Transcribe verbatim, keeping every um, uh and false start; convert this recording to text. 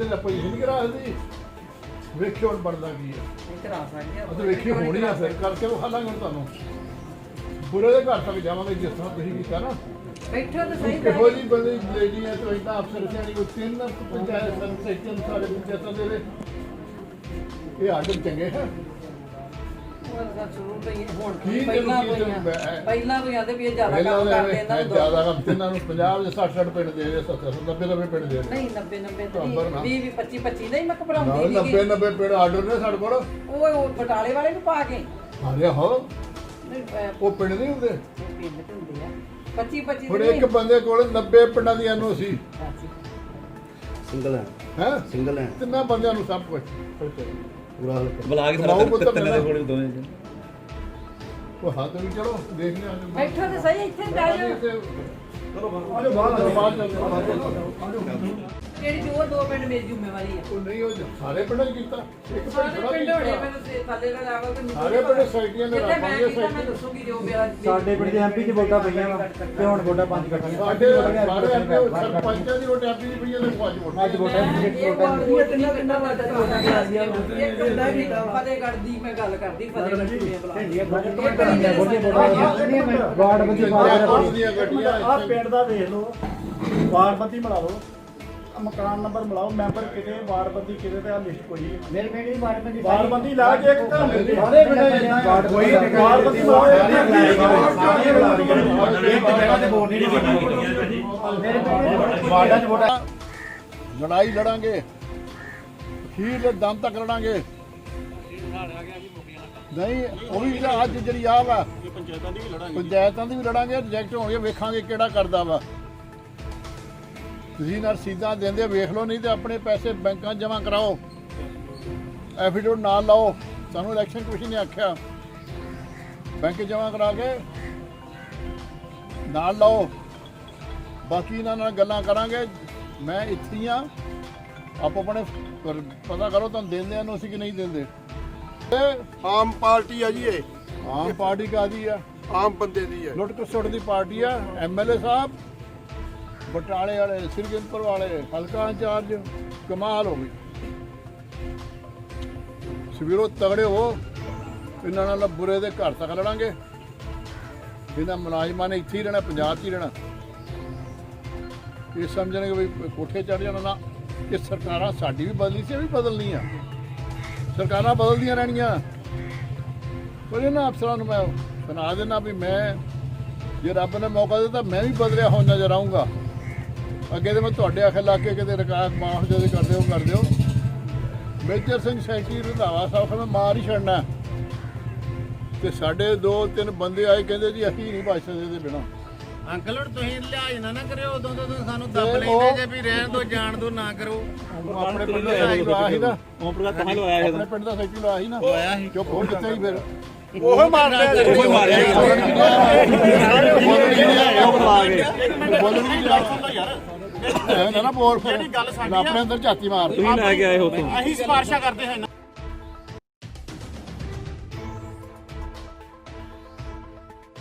ਦੀ position ਨਹੀਂ ਕਰਾ ਸਕਦੀ ਵੇਖਿਓ ਹੁਣ ਬਣਦਾ ਕੀ ਹੈ ਕਰਾ ਸਕਦੇ ਅਸੀਂ ਵੇਖੀ ਹੋਣੀ ਆ ਫਿਰ ਕਰਕੇ ਉਹ ਹਾਲਾਂਗੇ ਤੁਹਾਨੂੰ ਬੁਰੇ ਦੇ ਘਰ ਤੱਕ ਜਾਵਾਂਗੇ ਜਿਸ ਤਰ੍ਹਾਂ ਤੁਸੀਂ ਕੀਤਾ ਨਾ ਬੈਠੋ ਤਾਂ ਸਹੀ ਕਿਹੋ ਜਿਹੀ ਬੰਦੇ ਲੇਡੀ ਹੈ ਤੇ ਇਦਾਂ ਅਫਸਰ ਸਿਆਣੀ ਕੋਈ ਤਿੰਨ ਪੰਚਾਇਤ ਸਨ ਸੈਕਟਰ ਸਾਰੇ ਪੰਚਾਇਤਾਂ ਦੇ ਵਿੱਚ ਇਹ ਆਡਰ ਚੰਗੇ ਹੈ ਪਹਿਲਾਂ ਪਹਿਲਾਂ ਵੀ ਆਂਦੇ ਵੀ ਇਹ ਜ਼ਿਆਦਾ ਕੰਮ ਕਰਦੇ ਇਹਨਾਂ ਨੂੰ ਜ਼ਿਆਦਾ ਕੰਮ ਤਿੰਨਾਂ ਨੂੰ ਪੰਜਾਬ ਦੇ ਸੱਠ ਸੱਠ ਪਿੰਡ ਦੇ ਰਹੇ ਸੱਤਰ ਨੱਬੇ ਨੱਬੇ ਪਿੰਡ ਦੇ ਰਹੇ ਨਹੀਂ ਨੱਬੇ ਨੱਬੇ ਵੀਹ ਵੀਹ ਪੱਚੀ ਪੱਚੀ ਨਹੀਂ ਮੈਂ ਘਬਰਾਉਂਦੀ ਨਹੀਂ ਨੱਬੇ ਨੱਬੇ ਪਿੰਡ ਆਰਡਰ ਨੇ ਸਾਡੇ ਕੋਲ ਉਹ ਉਹ ਬਟਾਲੇ ਵਾਲੇ ਨੂੰ ਪਾ ਕੇ ਹਾਰੇ ਹੋ ਉਹ ਪਿੰਡ ਨਹੀਂ ਹੁੰਦੇ ਪਿੰਡ ਹੁੰਦੇ ਆ ਪੱਚੀ ਪੱਚੀ ਹੁਣ ਇੱਕ ਬੰਦੇ ਕੋਲ ਨੱਬੇ ਪਿੰਡਾਂ ਦੀ ਐਨਓ ਸੀ ਸਿੰਗਲ ਹੈ ਹੈ ਸਿੰਗਲ ਹੈ ਤਿੰਨਾਂ ਬੰਦਿਆਂ ਨੂੰ ਸਭ ਕੁਝ ਪੂਰਾ ਬੁਲਾ ਕੇ ਸਾਰਾ ਤਿੰਨਾਂ ਦੇ ਕੋਲ ਦੋਵੇਂ ਜੀ ਉਹ ਹੱਥ ਵੀ ਚਲੋ ਦੇਖ ਲਿਆ ਬੈਠੋ ਤੇ ਸਹੀ ਇੱਥੇ ਬਹਿ ਜਾਓ ਚਲੋ ਆਜੋ ਬਾਹਰ ਬਾਹਰ ਚੱਲਦੇ ਜਿਹੜੀ ਜੋ ਦੋ ਪਿੰਡ ਮੇਰੀ ਜ਼ਿੰਮੇਵਾਰੀ ਆ ਉਹ ਨਹੀਂ ਉਹ ਸਾਰੇ ਪਿੰਡਾਂ 'ਚ ਕੀਤਾ ਇੱਕ ਪਿੰਡ ਸਾਰੇ ਥੋੜ੍ਹਾ ਪਿੰਡ ਹੋਣੇ ਕੀਤਾ। ਮੈਨੂੰ ਸੇ ਥੱਲੇ ਦਾ ਲੈਵਲ ਤੇ ਸਾਰੇ ਪਿੰਡ ਸੋਸਾਇਟੀਆਂ ਨੇ ਜਿੱਥੇ ਮੈਂ ਰੱਖਾਂਗੇ ਕੀਤਾ ਮੈਂ ਸੋਸਾਇਟੀ ਦੱਸੂਗੀ ਜੋ ਮੇਰਾ ਸਾਡੇ ਪਿੰਡ ਦੇ ਐਮਪੀ ਚ ਵੋਟਾਂ ਪਈਆਂ ਵਾ ਤੇ ਹੁਣ ਵੋਟਾਂ ਪੰਜ ਇਕੱਠੀਆਂ ਸਾਡੇ ਸਾਰੇ ਐਮਪੀ ਸਰਪੰਚਾਂ ਦੀ ਵੋਟ ਐਮਪੀ ਦੀ ਪਈਆਂ ਨੇ ਪੰਜ ਵੋਟ ਅੱਜ ਵੋਟਾਂ ਇਹ ਵੋਟ ਕਿੰਨਾ ਕਿੰਨਾ ਵਾਰ ਵੋਟਾਂ ਕਰਾਈਆਂ ਇੱਕ ਹੁੰਦਾ ਵੀ ਫਤਿਹਗੜ੍ਹ ਦੀ ਮੈਂ ਗੱਲ ਕਰਦੀ ਫਤਿਹਗੜ੍ਹ ਦੀ ਵਾਰਡ ਬੰਦੀ ਪੁਲਿਸ ਦੀਆਂ ਗੱਡੀਆਂ ਆ ਪਿੰਡ ਦਾ ਦੇਖ ਲਓ ਵਾਰਡ ਬੰਦੀ ਬਣਾ ਲਓ ਮਕਾਨ ਨੰਬਰ ਮਿਲਾਓ ਮੈਂਬਰ ਕਿਤੇ ਵਾਰਡ ਬੰਦੀ ਕਿਤੇ ਤੇ ਆ ਲਿਸਟ ਕੋਈ ਨਹੀਂ ਮੇਰੇ ਪਿੰਡ ਦੀ ਵਾਰਡ ਬੰਦੀ ਵਾਰਡ ਬੰਦੀ ਲਾ ਕੇ ਇੱਕ ਘਰ ਮਿਲਦੀ ਸਾਰੇ ਪਿੰਡ ਵਾਰਡ ਕੋਈ ਵਾਰਡ ਬੰਦੀ ਮਿਲਾਓ ਇੱਕ ਜਗ੍ਹਾ ਤੇ ਵੋਟ ਨਹੀਂ ਬਣਦੀ ਮੇਰੇ ਪਿੰਡ ਵਾਰਡਾਂ 'ਚ ਵੋਟਾਂ ਲੜਾਈ ਲੜਾਂਗੇ ਅਖੀਰ ਦੇ ਦਮ ਤੱਕ ਲੜਾਂਗੇ ਨਹੀਂ ਉਹ ਵੀ ਅੱਜ ਜਿਹੜੀ ਆ ਵਾ ਪੰਚਾਇਤਾਂ ਦੀ ਵੀ ਲੜਾਂਗੇ ਪੰਚਾਇਤਾਂ ਦੀ ਵੀ ਲੜਾਂਗੇ ਰਿਜੈਕਟ ਹੋਣਗੇ ਵੇਖਾਂਗੇ ਕਿਹੜਾ ਕਰਦਾ ਵਾ ਤੁਸੀਂ ਨਾਲ ਰਸੀਦਾਂ ਦਿੰਦੇ ਵੇਖ ਲਓ ਨਹੀਂ ਤੇ ਆਪਣੇ ਪੈਸੇ ਬੈਂਕਾਂ 'ਚ ਜਮ੍ਹਾਂ ਕਰਾਓ ਐਫੀਡੇਵਿਟ ਨਾਲ ਲਾਓ ਸਾਨੂੰ ਇਲੈਕਸ਼ਨ ਕਮਿਸ਼ਨ ਨੇ ਆਖਿਆ ਬੈਂਕ ਜਮ੍ਹਾਂ ਕਰਾ ਕੇ ਨਾਲ ਲਾਓ ਬਾਕੀ ਇਹਨਾਂ ਨਾਲ ਗੱਲਾਂ ਕਰਾਂਗੇ ਮੈਂ ਇੱਥੇ ਹੀ ਆ ਆਪੋ ਆਪਣੇ ਪਤਾ ਕਰੋ ਤੁਹਾਨੂੰ ਦਿੰਦੇ ਆ ਨੂੰ ਅਸੀਂ ਕਿ ਨਹੀਂ ਦਿੰਦੇ ਆਮ ਪਾਰਟੀ ਆ ਜੀ ਇਹ ਆਮ ਪਾਰਟੀ ਕਾਹਦੀ ਆ ਆਮ ਬੰਦੇ ਦੀ ਹੈ ਲੁੱਟ ਖਸੁੱਟ ਦੀ ਪਾਰਟੀ ਆ ਐਮਐਲਏ ਸਾਹਿਬ ਬਟਾਲੇ ਵਾਲੇ ਸਿਰਗਿੰਦਪੁਰ ਵਾਲੇ ਹਲਕਾ ਇੰਚਾਰਜ ਕਮਾਲ ਹੋ ਗਈ ਸਵੇਰੋਂ ਤਗੜੇ ਹੋ ਇਹਨਾਂ ਨਾਲ ਬੁਰੇ ਦੇ ਘਰ ਤੱਕ ਲੜਾਂਗੇ ਇਹਨਾਂ ਮੁਲਾਜ਼ਮਾਂ ਨੇ ਇੱਥੇ ਹੀ ਰਹਿਣਾ ਪੰਜਾਬ 'ਚ ਹੀ ਰਹਿਣਾ ਇਹ ਸਮਝਣਗੇ ਵੀ ਕੋਠੇ ਚੜ ਜਾਣਾ ਨਾ ਇਹ ਸਰਕਾਰਾਂ ਸਾਡੀ ਵੀ ਬਦਲੀ ਸੀ ਇਹ ਵੀ ਬਦਲਣੀ ਆ ਸਰਕਾਰਾਂ ਬਦਲਦੀਆਂ ਰਹਿਣੀਆਂ ਪਰ ਇਹਨਾਂ ਅਫਸਰਾਂ ਨੂੰ ਮੈਂ ਸੁਣਾ ਦੇਣਾ ਵੀ ਮੈਂ ਜੇ ਰੱਬ ਨੇ ਮੌਕਾ ਦਿੱਤਾ ਮੈਂ ਵੀ ਬਦਲਿਆ ਹੋ ਨਜ਼ਰ ਆਊਂਗਾ ਅੱਗੇ ਤੇ ਮੈਂ ਤੁਹਾਡੇ ਆਖੇ ਲਾ ਕੇ ਕਿਤੇ ਰਿਕਾਰਡ ਮਾਫ ਜਦੋਂ ਕਰਦੇ ਹੋ ਕਰ ਦਿਓ ਮੇਜਰ ਸਿੰਘ ਸੈਂਟੀ ਰੰਧਾਵਾ ਸਾਹਿਬ ਮੈਂ ਮਾਰ ਹੀ ਛੱਡਣਾ ਤੇ ਸਾਡੇ ਦੋ ਤਿੰਨ ਬੰਦੇ ਆਏ ਕਹਿੰਦੇ ਜੀ ਅਸੀਂ ਨਹੀਂ ਬਚ ਸਕਦੇ ਇਹਦੇ ਬਿਨਾਂ ਅੰਕਲ ਹੁਣ ਤੁਸੀਂ ਲਿਹਾਜ਼ ਨਾ ਨਾ ਕਰਿਓ ਉਦੋਂ ਤੋਂ ਸਾਨੂੰ ਦੱਬ ਲੈਂਦੇ ਜੇ ਵੀ ਰਹਿਣ ਦੋ ਜਾਣ ਦੋ ਨਾ ਕਰੋ ਆਪਣੇ ਪਿੰਡ ਦਾ ਸੈਕਟਰੀ ਲਾਇਆ ਸੀ ਨਾ ਓਮ ਪ੍ਰਕਾਸ਼ ਕਹਾਂ ਲਵਾਇਆ ਆਪਣੇ ਪਿੰਡ ਦਾ ਸੈਕਟਰੀ ਲਾਇਆ ਸੀ ਨਾ ਹੋਇਆ ਸੀ ਚੁੱਪ ਹੋ ਕਿੱਥੇ ਹੀ ਫਿਰ ਉਹ ਮਾਰਦੇ ਉਹ ਮਾਰਿਆ ਬੋਲਣ ਵੀ ਨਾ ਨਾ ਬੋਲ ਫਿਰ ਆਪਣੇ ਅੰਦਰ ਝਾਤੀ ਮਾਰ ਤੁਸੀਂ ਲੈ ਕੇ ਆਏ ਹੋ ਤੋਂ ਅਸੀਂ ਸਿਫਾਰਸ਼ਾਂ ਕਰਦੇ ਹਾਂ